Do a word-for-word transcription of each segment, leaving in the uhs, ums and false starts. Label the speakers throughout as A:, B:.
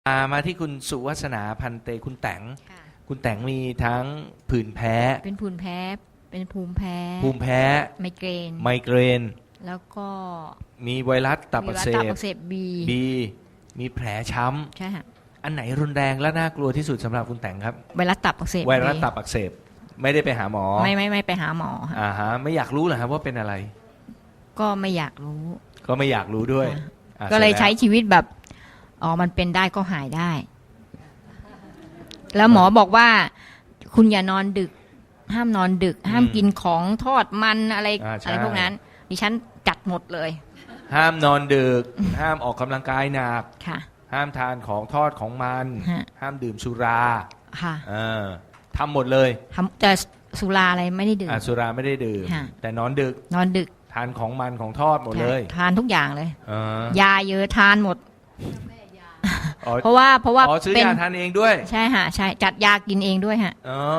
A: มามาที่คุณสุวัฒนาพันเตคุณแตง
B: ค่ะ
A: คุณแตงมีทั้งผื่นแพ้
B: เป็นผื่นแพ้ เป็นภูมิแพ้
A: ภูมิแพ้
B: ไมเกรน
A: ไมเกรน
B: แล้วก็
A: มีไวรัสตับอักเส
B: มีวัณ
A: บ
B: อักเสบบี
A: บีมีแผลช้
B: ใช่ค่ะ
A: ำอันไหนรุนแรงและน่ากลัวที่สุดสำหรับคุณแตงครับ
B: ไวรัสตับอักเสบ
A: ไวรัสตับอักเสบไม่ได้ไปหาหมอ
B: ไม่ไม่ไม่ไปหาหมอค่ะ
A: อ่าฮะไม่อยากรู้เหรอครับว่าเป็นอะไร
B: ก็ไม่อยากรู้
A: ก็ไม่อยากรู้ด้วย
B: ค่ะ
A: อ่ะ
B: ก็เลย
A: สร็จแว
B: ใช้ชีวิตแบบอ๋อมันเป็นได้ก็หายได้ แล้วหมอบอกว่า คุณอย่านอนดึก ห้ามนอนดึก ห้ามกินของทอดมันอะไร
A: อ่าใช่
B: อะไรพวกนั้น ดิฉันจัดหมดเลย
A: ห้ามนอนดึก ห้ามออกกำลังกายหนัก
B: ค่ะ
A: ห้ามทานของทอดของมัน
B: ฮะ
A: ห้ามดื่มสุรา
B: ค่ะ
A: เออทำหมดเลย
B: ทำแต่สุราอะไรไม่ได้ดื่ม
A: อ่ะสุราไม่ได้ดื่ม
B: ฮะ
A: แต่นอนดึก
B: นอนดึก
A: ทานของมันของทอดหมดเลย
B: ทานทุกอย่างเลย
A: เออย
B: าเยอะทานหมด
A: อ๋อ
B: เพราะว่าเพราะว่า
A: อ๋อซื้อ
B: เป็น
A: ยาทานเองด้วย
B: ใช่ฮะใช่จัดยากินเองด้วยฮะ
A: อ๋อ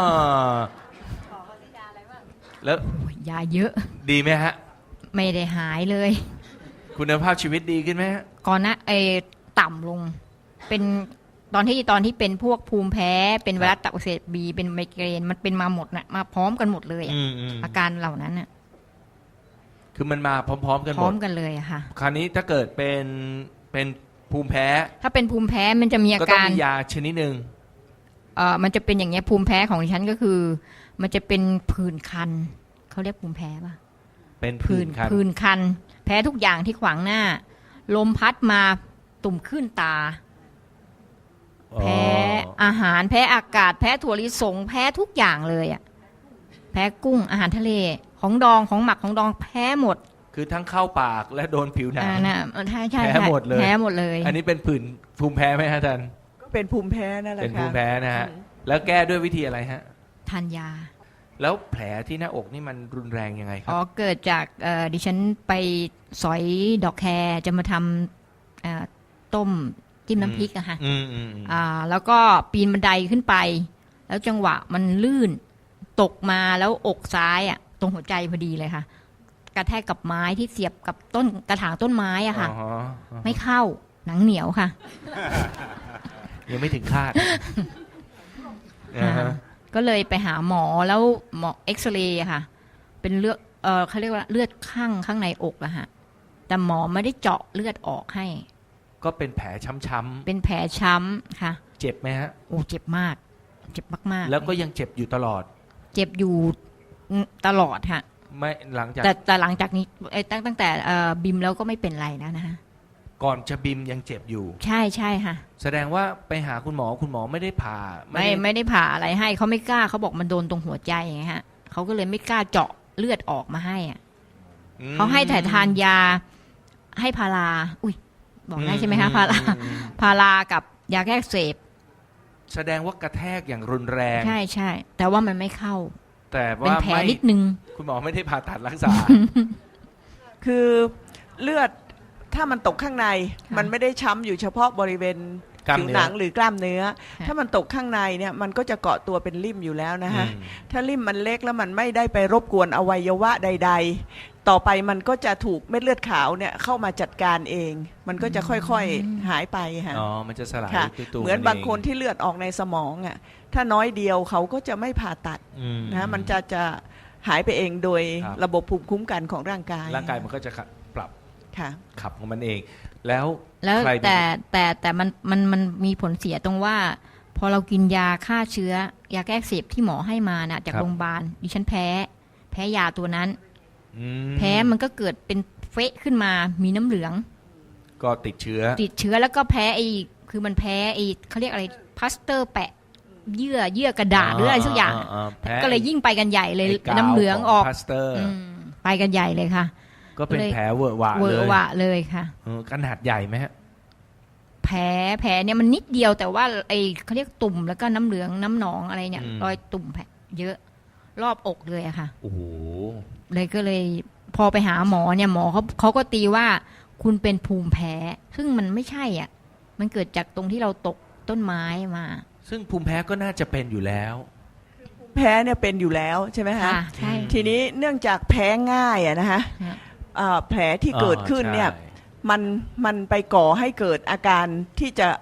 A: แล้ว
B: โอ้ยยาเยอะ
A: ดีไหมฮะ
B: ไม่ได้หายเลย
A: คุณภาพชีวิตดีขึ้นไหมฮะ
B: ก่อนหนะไอ้ต่ำลง เป็นตอนที่ตอนที่เป็นพวกภูมิแพ้ เป็นไวรัสตับอักเสบบีเป็นไมเกรนมันเป็นมาหมดนะมาพร้อมกันหมดเลยอะ
A: อืมอืม
B: อาการเหล่านั้นน่ะ
A: คือมันมาพร้อม ๆ กัน
B: พ
A: หม
B: ร้อ
A: ด
B: มกันเลยอะค่ะ
A: คราวนี้ถ้าเกิดเป็นเป็นภูมิแพ้
B: ถ้าเป็นภูมิแพ้มันจะมีอา
A: ก็ต้อง
B: การ
A: มียาชนิดหนึ่ง
B: เอ่อมันจะเป็นอย่างเงี้ยภูมิแพ้ของดิฉันก็คือ มันจะเป็นผื่นคันเขาเรียกภูมิแพ้ป่ะ
A: เป็นผื่นคัน
B: ผื่นคัน แพ้ทุกอย่างที่ขวางหน้า ลมพัดมาตุ่มขึ้นตา แพ้อาหารแพ้อากาศ แพ้ถั่วลิสง แพ้ทุกอย่างเลยอ่ะแพ้กุ้งอาหารทะเลของดองของหมักของดองแพ้หมด
A: คือทั้งเข้าปากและโดนผิวหนัง
B: อ่านะใช่ใช่
A: แพ้
B: ใช่
A: หมดเลย
B: แพ้หมดเลย
A: อันนี้เป็นผื่นภูมิแพ้ไหมฮะท่าน
C: ก็เป็นภูมิแพ้นั่นแหละ
A: เป็น
C: ค่ะ
A: ภูมิแพ้นะฮะ
C: อืม
A: แล้วแก้ด้วยวิธีอะไรฮะ
B: ทานยา
A: แล้วแผลที่หน้าอกนี่มันรุนแรงยังไงครั
B: อ๋อบ เกิดจากเอ่อดิฉันไปสอยดอกแครจะมาทำเอ่อต้มจิ้มน้ำพริกอะค่ะ
A: อืมอืมอืม
B: อ่าแล้วก็ปีนบันไดขึ้นไป แล้วจังหวะมันลื่นตกมาแล้วอกซ้ายอะตรงหัวใจพอดีเลยค่ะ กระแทกกับไม้ที่เสียบกับต้นกระถางต้นไม้อะค่ะ
A: อ๋อฮอ๋อ
B: ไม่เข้าหนังเหนียวค่ะ
A: ยังไม่ถึงคาดอ่าฮะ
B: ก็เลยไปหาหมอแล้วหมอเอ็กซเรย์อะค่ะ เป็นเลือดเออเขาเรียกว่าเลือดข้างข้างในอกอะฮะแต่หมอไม่ได้เจาะเลือดออกให้
A: ก็เป็นแผลช้ำ
B: เป็นแผลช้ำค่ะ
A: ๆเจ็บไหมฮะ
B: โอ้เจ็บมาก เจ็บมากๆ
A: แล้วก็ยังเจ็บอยู่ตลอด
B: เจ็บอยู่ตลอดค่ะ
A: ไม่หลังจาก
B: แต่แต่หลังจากนี้เอ้ยตั้งตั้งแต่เอ่อบิมแล้วก็ไม่เป็นไรแล้วนะคะ
A: ก่อนจะบิมยังเจ็บอยู่
B: ใช่ใช่ค่ะ
A: แสดงว่าไปหาคุณหมอคุณหมอไม่ได้ผ่า
B: ไม่
A: ด้
B: ไม่ได้ผ่าอะไรให้เขาไม่กล้าเขาบอกมันโดนตรงหัวใจไงฮะเขาก็เลยไม่กล้าเจาะเลือดออกมาให้อะ
A: อืม
B: เขาให้แต่ทานยาให้พาราอุ้ยบอกได้ใช่ไหมคะ
A: อื
B: พารา
A: อืมอืม
B: พารากับยาแก้อักเสบ
A: แสดงว่ากระแทกอย่างรุนแรง
B: ใช่ใช่แต่ว่ามันไม่เข้า
A: แต่
B: เป็น
A: ว่า
B: แผล
A: ไม่
B: นิดนึง
A: คุณหมอไม่ได้ผ่าตัดรักษา
C: คือเลือดถ้ามันตกข้างใน
B: ค่ะ
C: มันไม่ได้ช้ำอยู่เฉพาะบริเวณ
A: กล้าม
C: ผิว
A: เนื้อ
C: หนังหรือกล้ามเนื้อ
B: ค่ะ
C: ถ้ามันตกข้างในเนี่ยมันก็จะเกาะตัวเป็นริ่มอยู่แล้วนะคะ
A: อืม
C: ถ้าริ่มมันเล็กแล้วมันไม่ได้ไปรบกวนอวัยวะใด ๆ ต่อไปมันก็จะถูกเม็ดเลือดขาวเนี่ยเข้ามาจัดการเอง มันก็จะค่อยๆหายไปค่ะ
A: อ๋อมันจะสลาย
C: ค่ะ
A: ตัวตัว
C: เหมือนบางคนที่เลือดออกในสมองอ่ะถ้าน้อยเดียวเขาก็จะไม่ผ่าตัด
A: อืม
C: นะมันจะจะหายไปเองโดย
A: ครับ
C: ระบบภูมิคุ้มกันของร่างกาย
A: ร่างกายมันก็จะขับปรับ
C: ค่ะ
A: ขับของมันเอง แล้ว
B: แล้ว
A: ใครเป็น
B: แต่แต่แต่มันมันมันมีผลเสียตรงว่า พอเรากินยาฆ่าเชื้อยาแก้อักเสบที่หมอให้มาน่ะจากโรงพยาบาลดิฉันแพ้ แพ้ยาตัวนั้น
A: อืม
B: แพ้มันก็เกิดเป็นเฟะขึ้นมามีน้ำเหลือง
A: ก็ติดเชื้อ
B: ติดเชื้อแล้วก็แพ้ไอ้คือมันแพ้ไอ้เขาเรียกอะไรพลาสเตอร์แปะ เยื่อเยื่อกระดาษหรืออะไรสักอย่าง
A: แพ้
B: ก็เลยยิ่งไปกันใหญ่เลย
A: ไกาว
B: น้ำเหลืองออก
A: พลาสเตอร์
B: อืมไปกันใหญ่เลยค่ะ
A: ก็เป็น
B: เลย
A: แผลเวอะหวะ
B: เวอ
A: เลย
B: ร์วะเลยค่ะ
A: เออขนาดใหญ่ไหมฮะ
B: แผลแผลเนี่ยมันนิดเดียวแต่ว่าไอ้เขาเรียกตุ่มแล้วก็น้ำเหลืองน้ำหนองอะไรเนี่ย
A: อืม
B: รอยตุ่มแผลเยอะรอบอกเลยอะค่ะ
A: โอ้โห
B: เลยก็เลยพอไปหาหมอเนี่ยหมอเขาเขาก็ตีว่าคุณเป็นภูมิแพ้ ซึ่งมันไม่ใช่อ่ะ มันเกิดจากตรงที่เราตกต้นไม้มา
A: ซึ่งภูมิแพ้ก็น่าจะเป็นอยู่แล้ว
C: แพ้เนี่ยเป็นอยู่แล้วใช่ไหมคะ
B: ค่ะใช่
C: ทีนี้เนื่องจากแพ้ง่ายอะนะคะ
B: ฮะ
C: อ่าแผลที่เกิดขึ้นเนี่ย
A: อ๋อใช่
C: มันมันไปก่อให้เกิดอาการที่จะ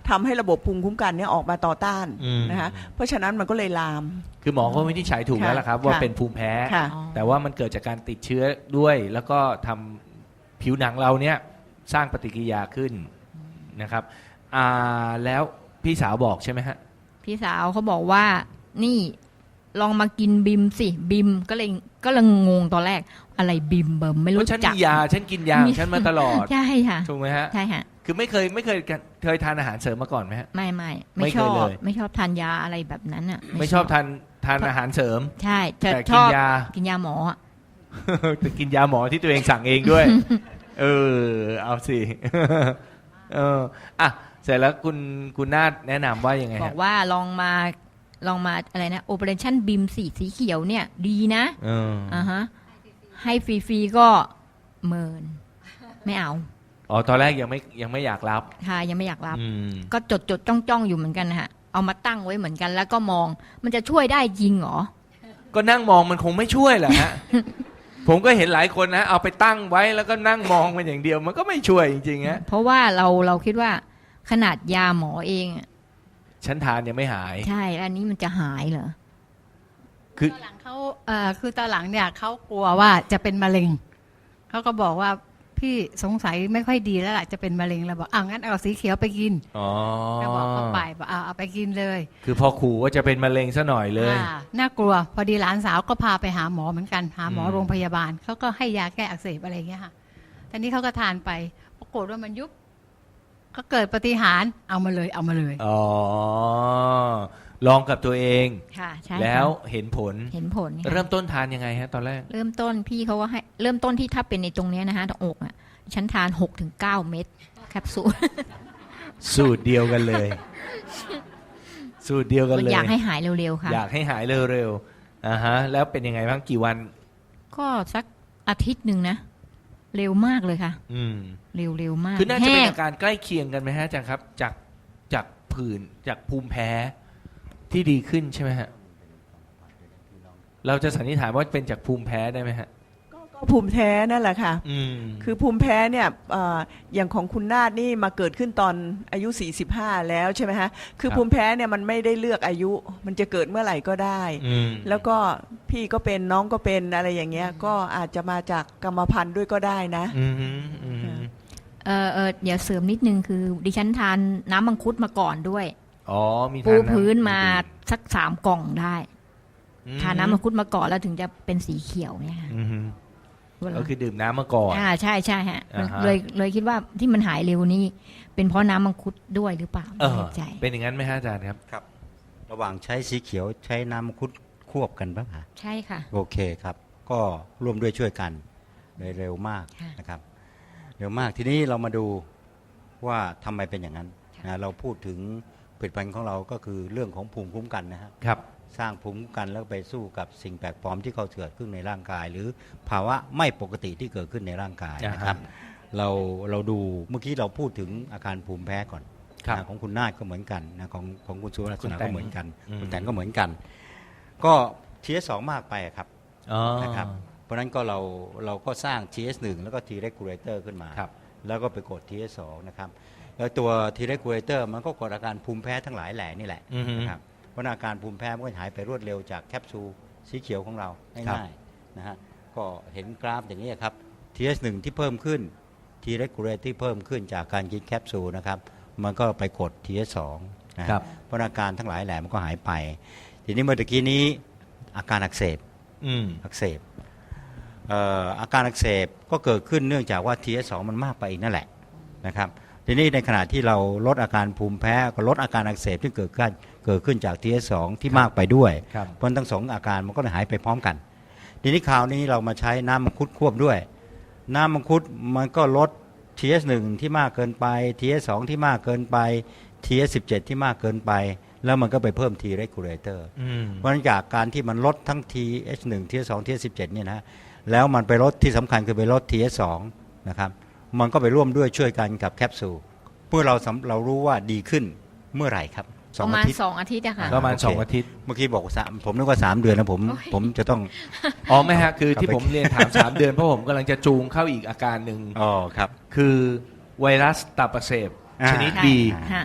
C: ทำให้ระบบภูมิคุ้มกันเนี่ยออกมาต่อต้าน
A: อืม
C: นะคะเพราะฉะนั้นมันก็เลยลาม
A: คือหมอก็วินิจฉัยถูก
C: ค่ะ
A: แล้วล่ะครับว่า
C: ค่ะ
A: เป็นภูมิแพ้
C: ค่ะ
B: อ๋อ
A: แต่ว่ามันเกิดจากการติดเชื้อด้วย แล้วก็ทำผิวหนังเราเนี่ยสร้างปฏิกิริยาขึ้นนะครับอ่าแล้วพี่สาวบอกใช่ไหมฮะ
B: พี่สาวเขาบอกว่า นี่ลองมากินบิมสิบิมก็เลยก็เลยงงตอนแรก อะไรบิมเบิมไม่
A: เพ
B: รู้
A: ราะฉัน
B: จัก
A: มียาฉันกินยาของฉันมาตลอด
B: ใช่ค่ะ
A: ถูกไหมฮะ
B: ใช่ค่ะ
A: คือไม่เคยไม่เคยเคยทานอาหารเสริมมาก่อนไหมฮะ
B: ไม่ไม่
A: ไม่
B: ไม่
A: เค
B: ช
A: ย
B: อบ
A: เลย
B: ไม่ชอบทานยาอะไรแบบนั้นอ่ะ
A: ไม่ชอบทานทานอาหารเสริม
B: ใช่จะ
A: แต่
B: ช
A: กิ
B: อน บ
A: ยา
B: กินยาหมออะ
A: แต่กินยาหมอที่ตัวเองสั่งเองด้วย เออ เอาสิ เอออ่ะเสร็จแล้วคุณคุณนาฏแนะนำว่ายังไง
B: บอ
A: ฮะ
B: กว่าลองมาลองมาอะไรนะโอเปอเรชั่นบิมสีสีเขียวเนี่ย ดีนะ
A: เออ
B: อ่าฮะให้ฟรีๆก็เมิน ไม่เอา
A: อ๋อตอนแรกยังไม่ยังไม่อยากรับ
B: ค่ะยังไม่อยากรับ
A: อืม
B: ก็จดจดจ้องจ้องๆอยู่เหมือนกันนะฮะเอามาตั้งไว้เหมือนกันแล้วก็มอง มันจะช่วยได้จริงเหรอ
A: ก็นั่งมองมันคงไม่ช่วยแหละฮะ ผมก็เห็นหลายคนนะ เอาไปตั้งไว้แล้วก็นั่งมองมันอย่างเดียว มันก็ไม่ช่วยจริงๆฮะ
B: เพราะว่าเราเราคิดว่าขนาดยาหมอเองอะ
A: ฉันทานยังไม่หาย
B: ใช่แล้วอันนี้มันจะหายเหรอ
A: คือ
D: ตอนหลังเขาเอ่อคือตอนหลังเนี่ยเขากลัวว่าจะเป็นมะเร็งเขาก็บอกว่าพี่สงสัยไม่ค่อยดีแล้วล่ะจะเป็นมะเร็งแล้วบอกอ้าวงั้นเอาสีเขียวไปกิน
A: อ๋อ
D: ก็บอกเขาไปบอกเอาเอาไปกินเลย
A: คือพอขู่ว่าจะเป็นมะเร็งซะหน่อยเลย
D: อ่าน่ากลัวพอดีหลานสาวก็พาไปหาหมอเหมือนกันหาหมอ
A: อืม
D: โรงพยาบาลเขาก็ให้ยาแก้อักเสบอะไรอย่างเงี้ยค่ะแต่นี้เขาก็ทานไปปรากฏว่ามันยุบก็เกิดปาฏิหารย์เอามาเลยเอามาเลย
A: อ๋อ ลองกับตัวเอง
B: ค่ะใช่ค่ะ
A: แล้วเห็นผล
B: เห็นผลค่ะ
A: เริ่มต้นทานยังไงฮะ ตอนแรก
B: เริ่มต้นพี่เขาก็ให้เริ่มต้นที่ถ้าเป็นในตรงเนี้ยนะฮะตรงอกอ่ะฉันทานหกถึงเก้าเม็ดแคปซูล
A: สูตรเดียวกันเลย สูตรเดียวกันเลย
B: อยากให้หายเร็วๆค่ะ
A: อยากให้หายเร็วๆอ่าฮะ แล้วเป็นยังไงบ้างกี่วัน
B: ก็สักอาทิตย์หนึ่งนะ เร็วมากเลยค่ะ
A: อืม
B: เร็วเร็วมาก
A: คือน่าจะเป็น
B: แห้ง
A: อาการใกล้เคียงกันไหมฮะอาจารย์ครับ จากจากผื่นจากภูมิแพ้ที่ดีขึ้นใช่ไหมฮะ เราจะสันนิษฐานว่าเป็นจากภูมิแพ้ได้ไหมฮะ
C: ก็ภูมิแพ้นั่นแหละค่ะ
A: อืม
C: คือภูมิแพ้เนี่ยเอ่ออย่างของคุณนาฏนี่มาเกิดขึ้นตอนอายุ สี่สิบห้า แล้วใช่ไหมฮะ คือ
A: ครับ
C: ภูมิแพ้เนี่ยมันไม่ได้เลือกอายุ มันจะเกิดเมื่อไหร่ก็ได้
A: อืม
C: แล้วก็พี่ก็เป็นน้องก็เป็นอะไรอย่างเงี้ย ก็อาจจะมาจากกรรมพันธุ์ด้วยก็ได้นะ
A: อืมอืม
B: เออเออเดี๋ยวเสริมนิดนึงคือ ดิฉันทานน้ำมังคุดมาก่อนด้วย
A: อ๋อมี
B: ปู
A: ทานำ
B: พื้นมาสักสามกล่องได้
A: อืม
B: ทานน้ำมังคุดมาก่อนแล้วถึงจะเป็นสีเขียวเนี่ยค่ะ
A: อืม
B: เวลา
A: ก็คือดื่มน้ำมาก่อน
B: อ่าใช่ใช่ฮะ
A: อ่าฮะ
B: เลยเลยคิดว่าที่มันหายเร็วนี่เป็นเพราะน้ำมังคุดด้วยหรือเปล่า
A: เอ
B: ไม่
A: อ
B: แน่ใจ
A: เป็นอย่างนั้นไหมฮะอาจารย์ครับ
E: ครับระหว่างใช้สีเขียวใช้น้ำมังคุดควบกันปะคะ
B: ใช่ค่ะ
E: โอเคครับ ก็ร่วมด้วยช่วยกันเลยเร็วมาก
B: ค่ะ
E: นะครับเร็วมากทีนี้เรามาดูว่าทำไมเป็นอย่างนั้น
B: ค่ะ
E: นะเราพูดถึงผลิตภัณฑ์ของเราก็คือเรื่องของภูมิคุ้มกันนะฮะ
A: ครับ
E: สร้างภูมิคุ้มกันแล้วไปสู้กับสิ่งแปลกปลอมที่เขาเกิดขึ้นในร่างกาย หรือภาวะไม่ปกติที่เกิดขึ้นในร่างกายนะครับ เราเราดูเมื่อกี้เราพูดถึงอาการภูมิแพ้ก่อน
A: ครับ
E: นะของคุณนาฏก็เหมือนกันนะของของคุณสุรัต
A: คุณ
E: นา
A: แตง
E: ก็เหมือนกัน
A: อืม
E: คุณแตนก็เหมือนกัน ก็ ที เอส สอง มากไปอะครับ
A: อ๋อ
E: นะครับ เพราะฉะนั้นก็เราเราก็สร้าง ที เอส หนึ่ง แล้วก็ T regulator ขึ้นมา
A: ครับ
E: แล้วก็ไปกด ที เอส สอง นะครับแล้วตัว T regulator มันก็กดอาการภูมิแพ้ทั้งหลายแหล่นี่แหละ
A: อือฮึ
E: นะครับเพราะอาการภูมิแพ้มันก็หายไปรวดเร็วจากแคปซูลสีเขียวของเรา
A: ครับ
E: ง่ายๆนะฮะก็เห็นกราฟอย่างนี้ครับ ที เอส หนึ่ง ที่เพิ่มขึ้น T regulator ที่เพิ่มขึ้นจากการกินแคปซูลนะครับมันก็ไปกด ที เอส สอง นะฮะ
A: ครับ
E: เพราะอาการทั้งหลายแหล่มันก็หายไป ทีนี้เมื่อตะกี้นี้อาการอักเสบ
A: อืม
E: อักเสบเอ่ออาการอักเสบก็เกิดขึ้นเนื่องจากว่า ที เอส สอง มันมากไปอีกนั่นแหละนะครับทีนี้ในขณะที่เราลดอาการภูมิแพ้ก็ลดอาการอักเสบที่เกิดขึ้นเกิดขึ้นจาก ที เอส สอง ที่มากไปด้วย
A: ครับ
E: เพราะทั้งสองอาการมันก็เลยหายไปพร้อมกัน ทีนี้คราวนี้เรามาใช้น้ำมังคุดควบด้วย น้ำมังคุดมันก็ลด ที เอส หนึ่ง ที่มากเกินไป ที เอส สอง ที่มากเกินไป ที เอส สิบเจ็ด ที่มากเกินไป แล้วมันก็ไปเพิ่ม T regulator
A: อืม
E: เพราะฉะนั้นจากการที่มันลดทั้ง ที เอส หนึ่ง ที เอส สอง ที เอส สิบเจ็ด เนี่ยนะแล้วมันไปลดที่สำคัญคือไปลด ที เอส สอง นะครับมันก็ไปร่วมด้วยช่วยกันกับแคปซูลเพื่อเราสำเรารู้ว่าดีขึ้นเมื่อไหร่ครับส
B: ป
E: อง
B: ระ
E: อา
B: มาณ
E: ทิตย์
B: สองอาทิตย์อะค่ะ
A: ประมาณ
E: โอเค
A: สองอาทิตย์
E: เมื่อกี้บอกสามผมนึกว่าสามเดือนนะผม
B: โอ้ย
E: ผมจะต้อง
A: อ๋อไม่ฮะ คือ
E: ครับ
A: ที่ผมเรียนถามสามเดือนเพราะผมกำลังจะจูงเข้าอีกอาการหนึ่ง
E: อ๋อครับ
A: คือไวรัสตับอักเสบ
E: อ่า
A: ชนิด
B: ใช่
A: บี
E: อ่า
B: ฮะ
E: ครับ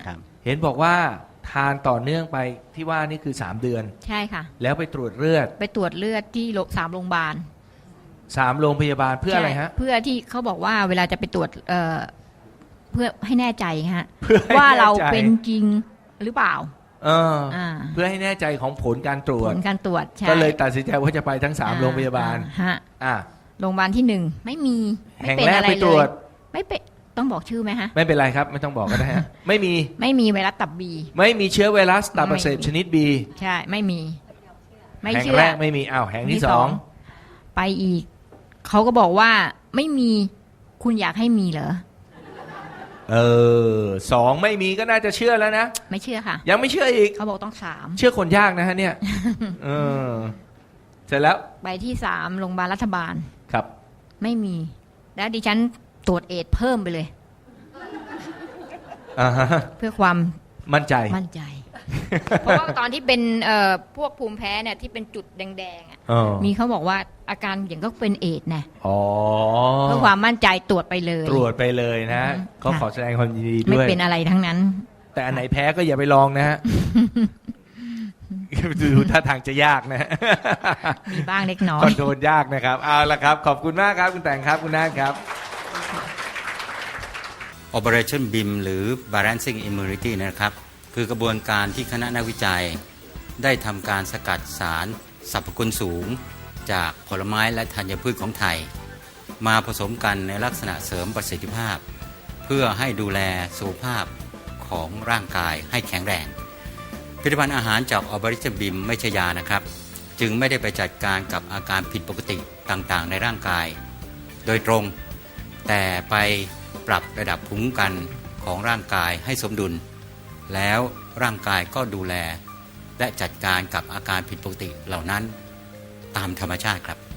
A: เห็นบอกว่าทานต่อเนื่องไปที่ว่านี่คือสามเดือน
B: ใช่ค่ะ
A: แล้วไปตรวจเลือด
B: ไปตรวจเลือดที่โรงสามโรงพยาบาล
A: สามโรงพยาบาลเพื่ออะไรฮะ
B: ใช่เพื่อที่เขาบอกว่าเวลาจะไปตรวจเอ่อเพื่อให้แน่ใจฮะ
A: เพื่อให้
B: ว่าเรา
A: แน่ใจ
B: เป็นจริงหรือเปล่า
A: เออ
B: อ่า
A: เพื่อให้แน่ใจของผลการตรว
B: ผ
A: จ
B: ลการตรวจใช่
A: ก็เลยตัดสินใจว่าจะไปทั้งสาม
B: อ่
A: โรงพยาบาล
B: อ่ฮะ
A: อ่ะ
B: โรงพยาบาลที่หนึ่งไม่มีไม่
A: แห่ง
B: เป็น
A: แรก
B: อะไร
A: ไปต
B: เล
A: รวย จ
B: ไม่เป็นต้องบอกชื่อไหมฮะ
A: ไม่เป็นไรครับ ไม่ต้องบอกก็ได้ฮะ ไม่มี
B: ไม่มีไวรัสตับบี
A: ไม่มีเชื้อไวรัสตับอักเสบ
B: ไม่มี
A: ชนิดบี
B: ใช่ ไม่มี ไม่
A: แห่ง
B: เชื่อ
A: แรกไม่มีอ้าวแห่งที่สอง
B: ไปอีก เขาก็บอกว่าไม่มีคุณอยากให้มีเหรอ
A: เออสองไม่มีก็น่าจะเชื่อแล้วนะ
B: ไม่เชื่อค่ะ
A: ยังไม่เชื่ออีก
B: เขาบอกต้องสาม
A: เชื่อคนยากนะฮะเนี่ย เออ เสร็จแล้ว
B: ไปที่สามโรงพยาบาลรัฐบาล
A: ครับ
B: ไม่มี แล้วดิฉันตรวจเอดส์เพิ่มไปเลย
A: อ่าฮะ
B: เพื่อความ
A: มั่นใจ
B: มั่นใจ เพราะว่าตอนที่เป็นเอ่อพวกภูมิแพ้เนี่ยที่เป็นจุดแดงๆอ่ะ
A: เออ
B: มีเขาบอกว่าอาการอย่างก็เป็นเอดส์นะ
A: อ๋อ
B: เพื่อความมั่นใจตรวจไปเลย
A: ตรวจไปเลยนะ
B: อืม
A: ก็
B: ค่ะ
A: ขอแสดงความยินดี
B: ไม่
A: ด้วย
B: เป็นอะไรทั้งนั้น
A: แต่อันไหนแพ้ก็อย่าไปลองนะฮะ ดูท่าทางจะยากนะฮะ
B: มีบ้างเล็กน้อ
A: คอย นโทรลยากนะครับ เอาละครับ ขอบคุณมากครับ คุณแต่งครับ คุณนาฏครับ
E: Operation บี ไอ เอ็ม หรือ Balancing Immunity นะครับ คือกระบวนการที่คณะนักวิจัย ได้ทำการสกัดสารสรรพคุณสูง จากผลไม้และธัญพืชของไทย มาผสมกันในลักษณะเสริมประสิทธิภาพ เพื่อให้ดูแลสุขภาพของร่างกายให้แข็งแรง ผลิตภัณฑ์อาหารจาก Operation บี ไอ เอ็ม ไม่ใช่ยานะครับ จึงไม่ได้ไปจัดการกับอาการผิดปกติต่างๆ ในร่างกาย โดยตรง แต่ไปปรับระดับภูมิคุ้มกันของร่างกายให้สมดุล แล้วร่างกายก็ดูแล และจัดการกับอาการผิดปกติเหล่านั้นตามธรรมชาติครับ